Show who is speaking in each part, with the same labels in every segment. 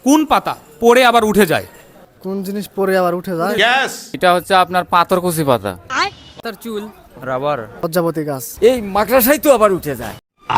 Speaker 1: কোন পাতা পড়ে আবার উঠে যায়?
Speaker 2: কোন জিনিস পরে আবার উঠে যায়?
Speaker 3: এটা হচ্ছে আপনার পাথরকুচি পাতা।
Speaker 4: তার চুল,
Speaker 3: রাবার।
Speaker 2: লজ্জাবতী গাছ।
Speaker 3: এই মাকড়াসাই তো আবার উঠে যায়।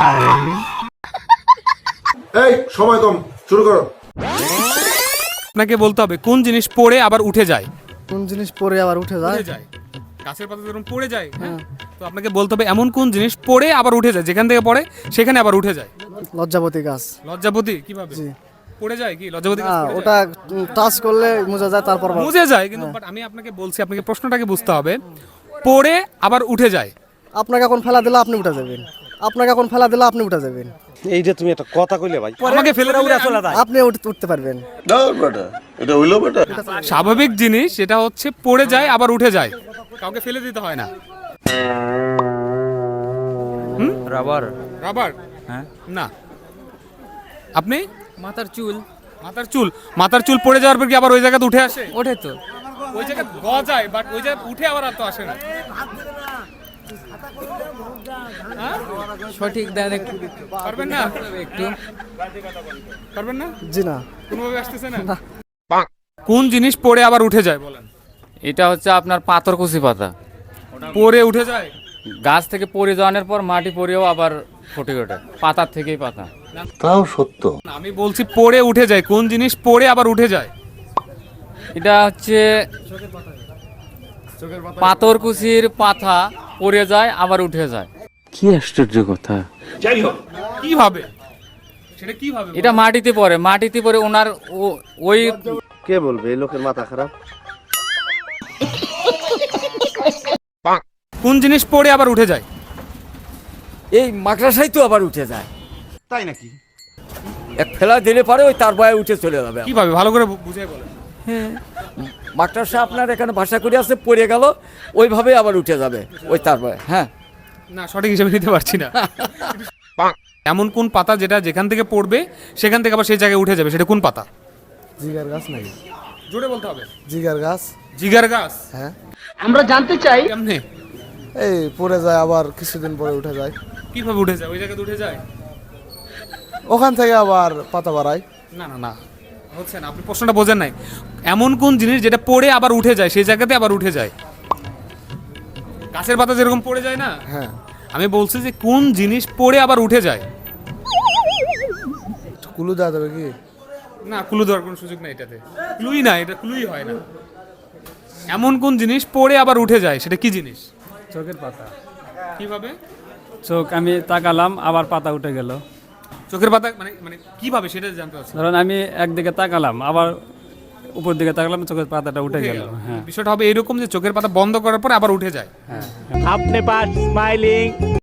Speaker 5: এই সময় কম, শুরু করো।
Speaker 1: আপনাকে বলতে হবে কোন জিনিস পড়ে আবার উঠে যায়।
Speaker 2: কোন জিনিস পরে আবার উঠে যায়?
Speaker 1: উঠে যায়, গাছের পাতা যেরকম পড়ে যায়, হ্যাঁ, তো আপনাকে বলতে হবে এমন কোন জিনিস পড়ে আবার উঠে যায়, যেখান থেকে পড়ে সেখানে আবার উঠে যায়।
Speaker 2: লজ্জাবতী গাছ।
Speaker 1: লজ্জাপতি কিভাবে
Speaker 2: জি।
Speaker 1: পড়ে যায়? কি লজ্জাপতি গাছ
Speaker 2: না,
Speaker 1: পড়ে
Speaker 2: ওটা টাচ করলে মুজা যায়, তারপর
Speaker 1: যায়? মুজে যায়, কিন্তু বাট আমি আপনাকে বলছি, আপনাকে প্রশ্নটাকে বুঝতে হবে। পড়ে আবার উঠে যায়।
Speaker 2: আপনাকে এখন ফেলা দিলে আপনি উঠে যাবেন। আপনাকে এখন ফেলা দিলে আপনি উঠে যাবেন।
Speaker 6: এইটা তুমি একটা কথা কইলে ভাই।
Speaker 1: আমাকে ফেলে দিলে
Speaker 3: চলে যায়।
Speaker 2: আপনি উঠতে পারবেন।
Speaker 5: এটা হইলো বেটা।
Speaker 1: স্বাভাবিক জিনিস সেটা হচ্ছে পড়ে যায় আবার উঠে যায়, কাউকে ফেলে দিতে হয় না।
Speaker 3: রাবার।
Speaker 1: রাবার?
Speaker 3: হ্যাঁ।
Speaker 1: না। আপনি?
Speaker 4: মাথার চুল,
Speaker 1: মাথার চুল। মাথার চুল পড়ে যাওয়ার পর কি আবার ওই জায়গাতে উঠে আসে?
Speaker 4: ওঠে তো।
Speaker 1: ওই জায়গায় গজায়, বাট ওই জায়গায় উঠে আবার আর তো আসে না।
Speaker 4: সঠিক দেন একটু,
Speaker 1: পারবেন না?
Speaker 4: একটু
Speaker 1: পারবেন না?
Speaker 2: জি না।
Speaker 1: কোনোভাবে আসতেছে না? কোন জিনিস পড়ে আবার উঠে যায় বলেন?
Speaker 3: এটা হচ্ছে আপনার পাথরকুচি পাতা।
Speaker 1: পড়ে উঠে যায়?
Speaker 3: গাছ থেকে পড়ে যাওয়ার পর মাটি পড়েও আবার ফুটে ওঠে, পাতার থেকেই পাতা।
Speaker 5: তাও সত্য।
Speaker 1: না, আমি বলছি পড়ে উঠে যায়। কোন জিনিস পড়ে আবার উঠে যায়?
Speaker 3: এটা হচ্ছে পাথরকুচির পাতা পড়ে যায় আবার উঠে যায়। কি আশ্চর্য কথা।
Speaker 1: কিভাবে? সেটা কিভাবে?
Speaker 3: এটা মাটিতে পড়ে, মাটিতে পড়ে ওনার ওই
Speaker 6: কে বলবে এই লোকের মাথা খারাপ?
Speaker 1: কোন জিনিস পড়ে আবার উঠে যায়?
Speaker 3: এই মাকড়াসাই তো আবার উঠে যায়।
Speaker 6: তাই নাকি?
Speaker 3: এক ফেলা দিলে পরে ওই তার বয়ে উঠে চলে যাবে।
Speaker 1: কিভাবে ভালো করে বুঝিয়ে বলেন।
Speaker 3: মাকড়াসা আপনার এখানে ভাষা করে আছে, পড়ে গেল ওইভাবে আবার উঠে যাবে ওই তার বয়ে। হ্যাঁ,
Speaker 1: না, সঠিক হিসেবে নিতে পারছি না। এমন কোন পাতা যেটা যেখান থেকে পড়বে সেখান থেকে আবার সেই জায়গায় উঠে যাবে, সেটা কোন পাতা?
Speaker 2: জিগার গাছ নাকি?
Speaker 1: জোরে বলতে হবে।
Speaker 2: জিগার গাছ।
Speaker 1: জিগার গাছ?
Speaker 2: হ্যাঁ।
Speaker 1: কেমনে?
Speaker 2: এই পরে যায় আবার কিছুদিন পরে উঠে যায়।
Speaker 1: কিভাবে উঠে যায়? ওই জায়গাতে উঠে যায়?
Speaker 2: ওখান থেকে আবার পাতা বাড়ায়।
Speaker 1: না না না, হচ্ছে না, আপনি প্রশ্নটা বোঝেন নাই। এমন কোন জিনিস যেটা পড়ে আবার উঠে যায়, সেই জায়গাতে আবার উঠে যায়? গাছের পাতা যেরকম পড়ে যায় না,
Speaker 2: হ্যাঁ।
Speaker 1: আমি বলছি যে কোন জিনিস পড়ে আবার উঠে যায়।
Speaker 2: কুলু দেওয়া যাবে কি?
Speaker 1: না, ক্লু দেওয়ার কোনো সুযোগ নাই এটাতে। ক্লুই না, এটা ক্লুই হয় না। এমন কোন জিনিস পড়ে আবার উঠে যায়, সেটা কি জিনিস?
Speaker 7: চোখের পাতা।
Speaker 1: কিভাবে?
Speaker 7: চোখ আমি তাকালাম আবার পাতা উঠে গেল।
Speaker 1: চোখের পাতা মানে মানে কিভাবে সেটা জানতে চাচ্ছি।
Speaker 7: ধরুন আমি একদিকে তাকালাম আবার উপর দিকে তাকালাম, চোখের পাতাটা উঠে গেল। হ্যাঁ,
Speaker 1: বিষয়টা হবে এরকম যে চোখের পাতা বন্ধ করার পর আবার উঠে যায়।
Speaker 7: আপনি পাস স্মাইলিং।